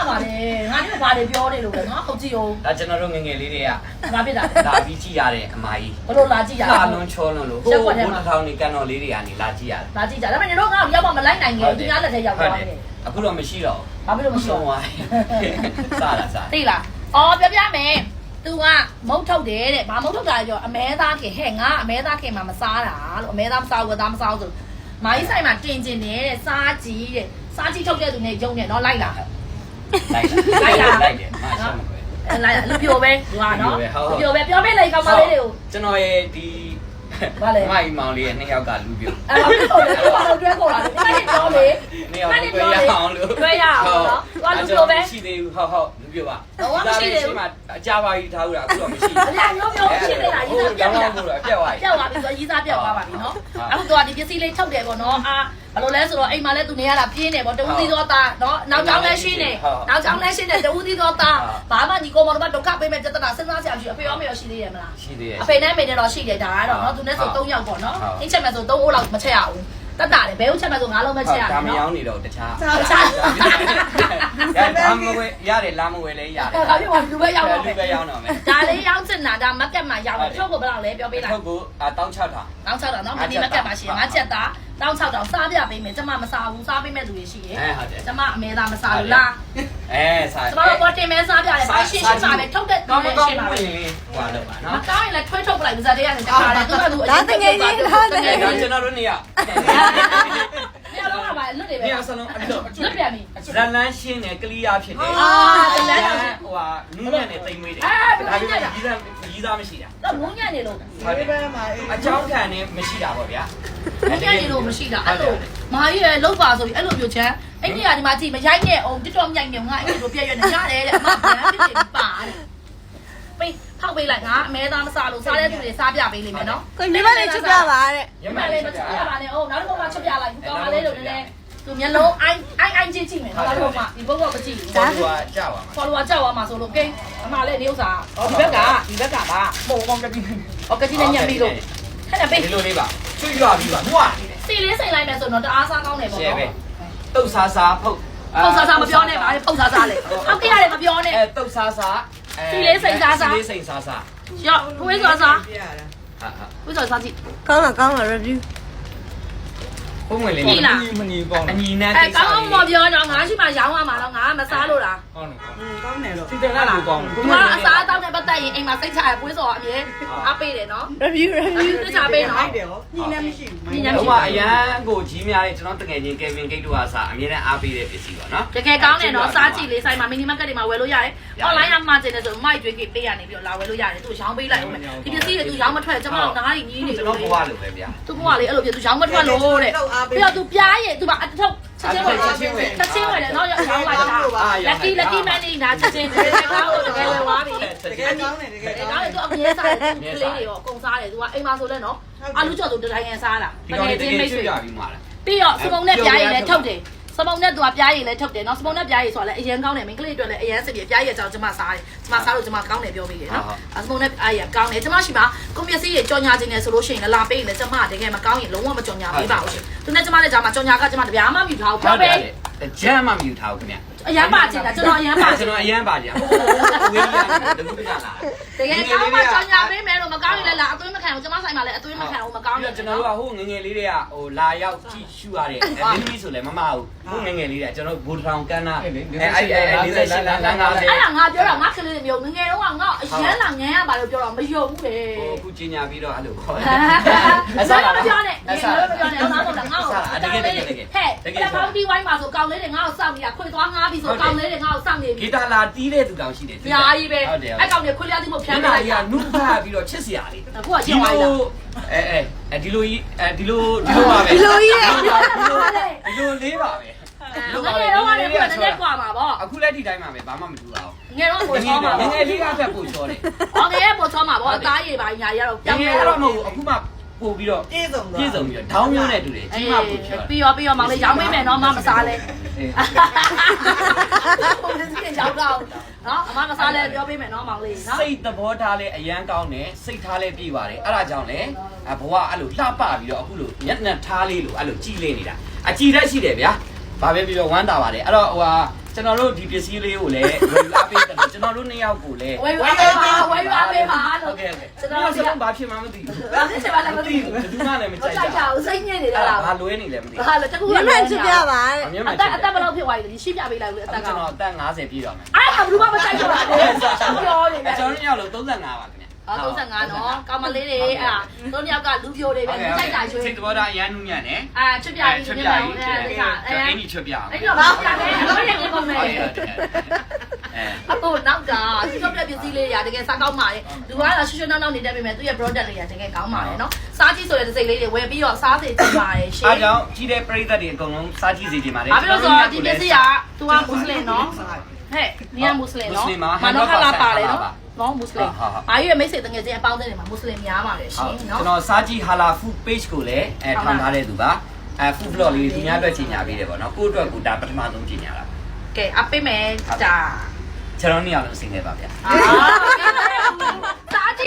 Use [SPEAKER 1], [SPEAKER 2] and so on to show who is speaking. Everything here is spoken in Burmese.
[SPEAKER 1] ပါလေငါတို့ဘာတွေပြောနေလို့လဲနော်ဟုတ်ကြည့်အောင်
[SPEAKER 2] ဒါကျွန်တော်တို့ငငယ်လေးတွေက
[SPEAKER 1] ငါပြစ်တာ
[SPEAKER 2] လာပြီးကြည့်ရတဲ့အမကြီး
[SPEAKER 1] ဘလို့လာကြည့်ရ
[SPEAKER 2] လာလွန်ချောလွန်လို့ဟိုဘုန်းထောင်နေကန်တော်လေးတွေကနေလာကြည့်ရတယ်
[SPEAKER 1] လာကြည့်ကြဒါပေမဲ့တို့ငါ့ကိုရောက်မှမလိုက်နိုင်ဘူးဒီများလက်ထဲရောက်သွားတယ်
[SPEAKER 2] အခုတော့မရှိတော့
[SPEAKER 1] ဘာဖြစ်လို့မရှိတော့
[SPEAKER 2] ဝိုင်းစားလာစား
[SPEAKER 1] သိလားအော်ပြောပြမယ် तू ကမုတ်ထုတ်တယ်တဲ့ဘာမုတ်ထုတ်တာလဲပြောအမဲသားခင်ဟဲ့ငါအမဲသားခင်မှာမစားတာလို့အမဲသားမစားဘူးသားမစားဘူးဆိုမိုင်းဆိုင်မှာတင်ကျင်နေတဲ့စားကြီးတဲ့စားကြီးထုတ်တဲ့သူနဲ့ယုံနေတော့လိုက်လာ
[SPEAKER 2] လိုက်တယ်မရှောင်းမခွဲ
[SPEAKER 1] လိုက်လာလူပြိုပဲဟိုကနော်လူပြိုပဲပြောပြလိုက်ကောင်မလေးတွေကို
[SPEAKER 2] ကျွန်တော်ရဲ့ဒီ
[SPEAKER 1] ဘာလဲ
[SPEAKER 2] မိုင်မောင်လေးရဲ့နှစ်ယောက်ကလူပြို
[SPEAKER 1] အဲ့တော့ဘာလို့တွဲခေါ်လာလဲဒီနေ့ပြောလေ
[SPEAKER 2] နှစ်ယောက်တွေ့ရအောင်လို့
[SPEAKER 1] တွဲရအောင်နော်သူကလူပြိုပဲ
[SPEAKER 2] ရှိသေးဘူးဟုတ်လူပြိုပါမှာအကြပါကြီးထားဦးတာအခုတော့မရှိ
[SPEAKER 1] အများမျိုးမျိုးရှိနေတာရေးသားပြတ်သွား
[SPEAKER 2] ဘူးတော့ပြတ်သွားပြီ
[SPEAKER 1] ပြတ်သွားပြီဆိုရေးသားပြတ်သွားပါပြီနော်အခုတော့ဒီပစ္စည်းလေးထုတ်တယ်ပေါ့နော်အာဘယ်လိုလဲဆိုတော့အိမ်မှာလဲသူနေရတာပြင်းနေပေါ့တဦးသီးသောသားနော်နောက်ကြောင်းလဲရှင်းနေနောက်ကြောင်းလဲရှင်းနေတဦးသီးသောသားဘာမှညီကောင်မတို့ကဒုက္ခပေးမဲ့ပြဿနာစဉ်းစားစရာမရှိအဖေရောမေရောရှိသေးရဲ့မလား
[SPEAKER 2] ရှိသေးရဲ့
[SPEAKER 1] အဖေနဲ့မေနဲ့တော့ရှိတယ်ဒါကတော့နော်သူနဲ့ဆို3ယောက်ပေါ့နော်အိမ်ချက်မဲ့ဆို3အိုးလောက်မချက်ရဘူးတတ်တာလေဘဲဦးချက်မဲ့ဆို9လုံးပဲချက်ရတယ်
[SPEAKER 2] ဒါမ
[SPEAKER 1] နော်
[SPEAKER 2] ရောင်းနေတော့တခြား
[SPEAKER 1] တခြား
[SPEAKER 2] ဒါမဝဲရတယ်လာမဝဲလဲရတယ်
[SPEAKER 1] ဒါပြပါလူပဲရောက်တော့
[SPEAKER 2] လူပဲရောက်တော့မယ်
[SPEAKER 1] ဒါလေးရောက်ချင်တာဒါမက်ကက်မှာရောက်တော့ထုတ်ကိုဘယ်လောက်လဲပြောပေးလိုက်
[SPEAKER 2] ထုတ်ကို16000
[SPEAKER 1] တောင်း6တောင်နော်မဒီမက်ကက်ပါရှင်ငါချက်တာတောင်း6တောင်စားပြပေးမယ်ကျမမစားဘူးစားပေးမဲ့သူတွေရှိတယ်ကျမအမဲသားမစားဘူးလား
[SPEAKER 2] စား
[SPEAKER 1] ကျမတို့ပေါ်တင်မဲစားပြတယ်ဘာရှင်းရှင်းပါပဲထုတ်တဲ့
[SPEAKER 2] ကောင်း
[SPEAKER 1] ရှ
[SPEAKER 2] ကောင်း
[SPEAKER 1] င်းပါပဲ
[SPEAKER 2] ဟွာလောက်ပါ
[SPEAKER 1] မ
[SPEAKER 2] နော်
[SPEAKER 1] ကောင်းရင်လည်းထွေးထုတ်ပလိုက်ပါဇာတ်ရရတယ်တခါလေသူကသူအရင်တကယ်ကြီး
[SPEAKER 2] ဒါကျွန်တော်တို့နေရ
[SPEAKER 1] ညလုံးကပါလွတ်နေပဲ
[SPEAKER 2] နေရစလုံးအဲ့လို
[SPEAKER 1] လွတ်ပြန်ပြီ
[SPEAKER 2] ဇလန်းရှင်းတယ်ကလီယာဖြစ်တယ်ဟိုဟာနူးညံ့နေတိမ်မွေးတယ်ဒါပေမဲ့ကြီးစားမရှိတာ
[SPEAKER 1] တော့ငုံညံ့နေလို့
[SPEAKER 2] အကြောင်းခံနေမရှိတာပေါ့ဗျာ
[SPEAKER 1] ငုံညံ့နေလို့မရှိတာအဲ့လိုမာကြီးရဲ့လောက်ပါဆိုပြီးအဲ့လိုမျိုးချမ်းအဲ့ဒီကဒီမှာကြည့်မရိုက်နဲ့အောင်တစ်တော်မြိုက်နေငါအဲ့လိုပြည့်ရွနေရတယ်တဲ့အမပြန်ဖြစ်နေပါတဲ့ပေးဖောက်ပေးလိုက်ငါအမဲသားမစားလို့စားတဲ့သူတွေစားပြပေးလိမ့်မယ်နော်
[SPEAKER 3] ကိုညီမလေးချစ်ပြပါတဲ့
[SPEAKER 1] ညမလေးမချပြပါနဲ့ဟုတ်နောက်တစ်ခါမှချက်ပြလိုက်ကောင်းပါလေလို့လည်းသူမျက်လုံးအိုင်းကြည့်ကြည့်မယ်နောက်တစ်ခါမှဒီဘုတ်ကမကြည့်ဘူး
[SPEAKER 2] ဒါကကြာပါမှာ
[SPEAKER 1] follower ကြောက်သွားမှာဆိုလို့ကိန်းအမလေးဒီဥစ္စာဒီဘက်ကပါပုံပုံကတိဟောကတိနဲ့ညံ့ပြီးလို့ဟဲ့ပေး
[SPEAKER 2] ဒီလိုလေးပါချွတ်ရွာပြီးပါဟွာ
[SPEAKER 1] စီလေးစိန်လိုက်မယ်ဆိုတော့တအားစားကောင်းတယ်ပေါ့
[SPEAKER 2] ရှယ်
[SPEAKER 1] နော်
[SPEAKER 2] ပဲတုတ်ဆာဆာဖုတ်
[SPEAKER 1] ဖုတ်စားမပြောနဲ့ပါလေဖုတ်စားလေဟုတ်ကဲ့ရတယ်မပြောနဲ့
[SPEAKER 2] တုတ်ဆာဆာစီလေးစိန်ဆာဆာ
[SPEAKER 1] ရောဝေးစားစား
[SPEAKER 2] ဟာဟာ
[SPEAKER 1] ဝေးစားစားကြည့်
[SPEAKER 3] ကောင်းလား review
[SPEAKER 2] ပုံဝင်လေးမညီကောင်းအညီနဲ့
[SPEAKER 1] အဲကောင်းမပြောတော့ငါရှိမှရောင်းရမှာတော့ငါမစားလို့လား
[SPEAKER 2] ကောင်းတယ်
[SPEAKER 4] ကောင်းတယ်လို့
[SPEAKER 2] စီတယ်လားကောင်း
[SPEAKER 1] သူကအစားတောင်းတဲ့ပတ်သက်ရင်အိမ်မှာစိတ်ချရပွေးစော်အမြဲအားပေးတယ်နော်
[SPEAKER 3] review
[SPEAKER 1] သိချပေးနော်
[SPEAKER 4] တယ်ဟောညီလည်းမရှိဘူး
[SPEAKER 2] ဟိုမှာအရန်ကိုကြီးများလေးကျွန်တော်တကယ်ချင်း Kevin Gate တို့ကစားအမြဲတမ်းအားပေးတဲ့ပစ္စည်းပါနော်
[SPEAKER 1] တကယ်ကောင်းတယ်နော်စားကြည့်လေးဆိုင်မှာ mini market တွေမှာဝယ်လို့ရတယ် online မှာကျင်တယ်ဆိုမိုက်ကျွေးကြီးပေးရနေပြီးတော့လာဝယ်လို့ရတယ်သူရောင်းပေးလိုက်ဦးမယ်ဒီပစ္စည်းတွေသူရောင်းမထွက်ကျွန်မတို့နားကြီးညီးနေ
[SPEAKER 2] ကျွန်
[SPEAKER 1] လို့
[SPEAKER 2] တော်ဘဝလိုပဲဗျာ
[SPEAKER 1] သူကလေအဲ့လိုပြသူရောင်းမထွက်လို့တဲ့ပြီးတော့သူပြားရဲ့သူကအထုတ်ချက်ချင်းဝယ်တယ်နော်ရောင်းလိုက်တာ lucky man နေတာချက်ချင်းတကယ်ကောင်းလို့တကယ်ဝယ်သွားပြီ
[SPEAKER 4] တကယ်ကောင်းတယ်တကယ်
[SPEAKER 1] ဒါလည်းသူအမြဲစားတယ်သူကလေးတွေရောအကုန်စားတယ်သူကအိမ်မှာဆိုလဲနော်အာလူကျော်သူတတိုင်းရန်စားတာ
[SPEAKER 2] ဒီကောင်လေးတကယ်ချွတ်ပြပြီးမှာလား
[SPEAKER 1] ပြီးတော့စပုံနဲ့ပြားရည်လည်းထုတ်တယ်စပုံနဲ့သူကပြားရည်လည်းထုတ်တယ်နော်စပုံနဲ့ပြားရည်ဆိုတာလည်းအရင်ကောင်းတယ်မိန်းကလေးတွေလည်းအရင်စစ်ပြပြားရည်အကြောင်းကျွန်မစားတယ်ကျွန်မစားလို့ကျွန်မကောင်းတယ်ပြောမိတယ်နော်စပုံနဲ့အားရကောင်းတယ်ကျွန်မရှိမှာကွန်ပျက်စီးတွေကြော်ညာခြင်းနဲ့ဆိုလို့ရှိရင်လာပေးရင်လည်းကျွန်မတကယ်မကောင်းရင်လုံးဝမကြော်ညာပေးပါဘူးရှင်သူနဲ့ကျွန်မနဲ့ကြာမှာကြော်ညာကကျွန်မတပြားမှမယူထားဘူးပြောပေး
[SPEAKER 2] ကြမ်းမှမယူထားဘူးခင်ဗျ
[SPEAKER 1] အရန်ပါချင်တာကျွန်တော်အရန်ပါချ
[SPEAKER 2] ကျွ
[SPEAKER 1] င်
[SPEAKER 2] န်တော်အရန်ပါကြဟိုဝေးရတယ်တခုတကလား
[SPEAKER 1] တကယ်ကောင်းမှကြော်ညာပေးမယ်လို့မကောင်းရင်လည်းလာအသွေးမခံဘူးကျွန်မဆိုင်မှာလည်းအသွေးမခံဘူးမကောင်းရင်
[SPEAKER 2] ကျွန်တော်တို့ကဟိုငငယ်လေးတွေကဟိုလာရောက်ကြည့်ရှုရတဲ့မင်းကြီးဆိုလည်းမမဟုတ်ဟိုငငယ်လေးတွေကကျွန်တော်ဘူထောင်ကန်းနာ48လမ်း50
[SPEAKER 1] အဲ့ဒါငါပြောတာငါကလေးတွေမျိုးငငယ်တော့ငါအရန်လာငန်းရပါလို့ပြောတော့မယုံဘူးလေ
[SPEAKER 2] ဟိုခုကျင်ညာပြီးတော့အဲ့လိုခေါ်
[SPEAKER 1] အစားမပြောနဲ့ငါမပြောနဲ့ငါတော့ငါ့ကိုဟဲ့တပေါင်းဒီဝိုင်းမှာဆိုကောင်းလေးတွေငါ့ကိုစောင့်နေတာခွေသွားငါပြီဆိုကောင်းလေးတွေငါ့ကိုစောင့်နေပြီ
[SPEAKER 2] ဂီတာလာတီးတဲ့သူတောင်ရှိတယ်
[SPEAKER 1] ညာကြီးပဲအဲ့ကောင်တွေခွေလျားသည်မဖြန်း
[SPEAKER 2] နာ
[SPEAKER 1] လိုက်
[SPEAKER 2] ကြီးကနုဖာပြီးတော့ချစ်စရာလေး
[SPEAKER 1] အခုကကျင်သွားပြီလား
[SPEAKER 2] ဒီလိုပါပဲ
[SPEAKER 3] ဒီလိုကြီးရဲ့
[SPEAKER 2] ဒီလိုလေးပါပဲ
[SPEAKER 1] ငငယ်တော့ကလည်းပြတဲ့ကွာမှာပေါ့
[SPEAKER 2] အခုလက်ဒီတိုင်းမှာပဲဘာမှမထူတာဘူး
[SPEAKER 1] ငယ်တော့ပို့ချောမှာ
[SPEAKER 2] ငငယ်လေးကဖက်ပို့ချောတယ်
[SPEAKER 1] ။အော်ငယ်ပို့ချောမှာပေါ့အသားရည်ပါညာရတော့
[SPEAKER 2] ငငယ်ကတော့မဟုတ်ဘူးအခုမှပို့ပြီးတော့
[SPEAKER 4] ပြည့်စုံ
[SPEAKER 2] ပြည့်စုံပြီးတော့ဒေါင်းမျိုးနဲ့တူတယ်ကြီးမှပို့ချော
[SPEAKER 1] ပြီးရောမောင်လေးရောင်းမိမယ်နော်မမစားလဲ။ပုံစံကြီးရောက်တော့နော်အမမစားလဲပြောပေးမယ်နော်မောင်လေးနော်
[SPEAKER 2] စိတ်သဘောထားလဲအရန်ကောင်းတယ်စိတ်ထားလဲပြည့်ပါတယ်အဲ့ဒါကြောင့်လဲဘဝအဲ့လိုလှပပြီးတော့အခုလိုမျက်နှာထားလေးလိုအဲ့လိုကြည်လေးနေတာအကြည်တက်ရှိတယ်ဗျာဘာပဲပြီးတော့ဝမ်းတာပါတယ်အဲ့တော့ဟိုဟာကျွန်တော်တို့ဒီပစ္စည်းလေးကိုလည်းဝယ်အားပေးတယ်ကျွန်တော်တို့နှစ်ယောက်ကိုလည်း
[SPEAKER 1] ဝယ်ပါပေးပါလို့
[SPEAKER 2] ဟုတ်ကဲ့ကျွန်တော်တို့ဘာဖြစ်မှမသိဘူး
[SPEAKER 1] ဘာဖြစ်ချင်ပါလဲမသိဘူး
[SPEAKER 2] ဘယ်သူမှလည်းမကြိုက်
[SPEAKER 1] ကြိုက်ကြဘူးစိတ်ညစ်နေတာလား
[SPEAKER 2] ဘာလွဲနေလဲမသိဘူး
[SPEAKER 1] ဟာလေတကူ
[SPEAKER 3] မျက်မှန်ချစ်ပြပါတဲ့
[SPEAKER 2] အမြဲတမ်း
[SPEAKER 1] အသက်ဘယ်လောက်ဖြစ်သွားပြီလဲရှင်းပြပေးလိုက်လို့အသက်က
[SPEAKER 2] ကျွန်တော်အသက်50ပြည့်တော့မယ်
[SPEAKER 1] အားကဘယ်သူမှမကြိုက်တော့ပါဘူးပြောနေတယ်
[SPEAKER 2] ကျွန်တော်တို့ရောက်လို့35ပါခင်ဗျ
[SPEAKER 1] 35နော်ကောင်မလေးတွေအဲ့ဒါတို့ယောက်ကလူပြိုတွေပဲကြိုက်တာရွှေ
[SPEAKER 2] စိတ်တော်တာအရန်နူးညံ့တယ်
[SPEAKER 1] ချွတ်ပြပြီး
[SPEAKER 2] ချွတ်
[SPEAKER 1] ဒီ
[SPEAKER 2] ပြ
[SPEAKER 1] မှာ
[SPEAKER 2] ကြီး
[SPEAKER 1] အဲ့ဒါ
[SPEAKER 2] အဲ့ဒီချွတ်ပြအောင်
[SPEAKER 1] အဲ့တော့ဘာပြလဲတော့ရနေကုန်မယ်
[SPEAKER 2] အဲ
[SPEAKER 1] အခုနောက်ကသူတို့ပြပစ္စည်းလေးတွေကတကယ်စားကောင်းပါတယ်လူကတော့ရွှွှွှနောက်နောက်နေတတ်ပြီမဲ့သူရဲ့ product တွေကတကယ်ကောင်းပါတယ်နော်စားကြည့်ဆိုတဲ့စိတ်လေးတွေဝယ်ပြီးတော့စားစေချင်ပါတယ်ရှင်
[SPEAKER 2] အားကြောင့်ကြီးတဲ့ပရိသတ်တွေအကုန်လုံးစားကြည့်စေချင်ပါတယ်
[SPEAKER 1] ဘာဖြစ်လို့ဆိုတော့ဒီပစ္စည်းကသူကမွတ်စလင်နော်ဟဲ့နီးမွတ်စလင်နော်မနောခလာပါတယ်နော်မွတ်စလင်အားရမိတ်ဆွေတငယ်ချင်းအပေါင်းအသင်းတွေမှာမွတ်စလင်များပါတယ်ရှင်နော်
[SPEAKER 2] ကျွန်တော်စားကြည့်ဟာလာ food page ကိုလည်းထောင်ထားတဲ့သူပါfood blog လေးသူများအတွက်ကြီးညာပေးတယ်ပေါ့နော်ကိုယ့်အတွက်ကိုဒါပထမဆုံးကြီးညာတာ
[SPEAKER 1] ကဲအပေးမယ်ဒါ
[SPEAKER 2] ကျွန်တော်နေရာလုံးစင်ခဲ့ပါဗျာ
[SPEAKER 1] โอเค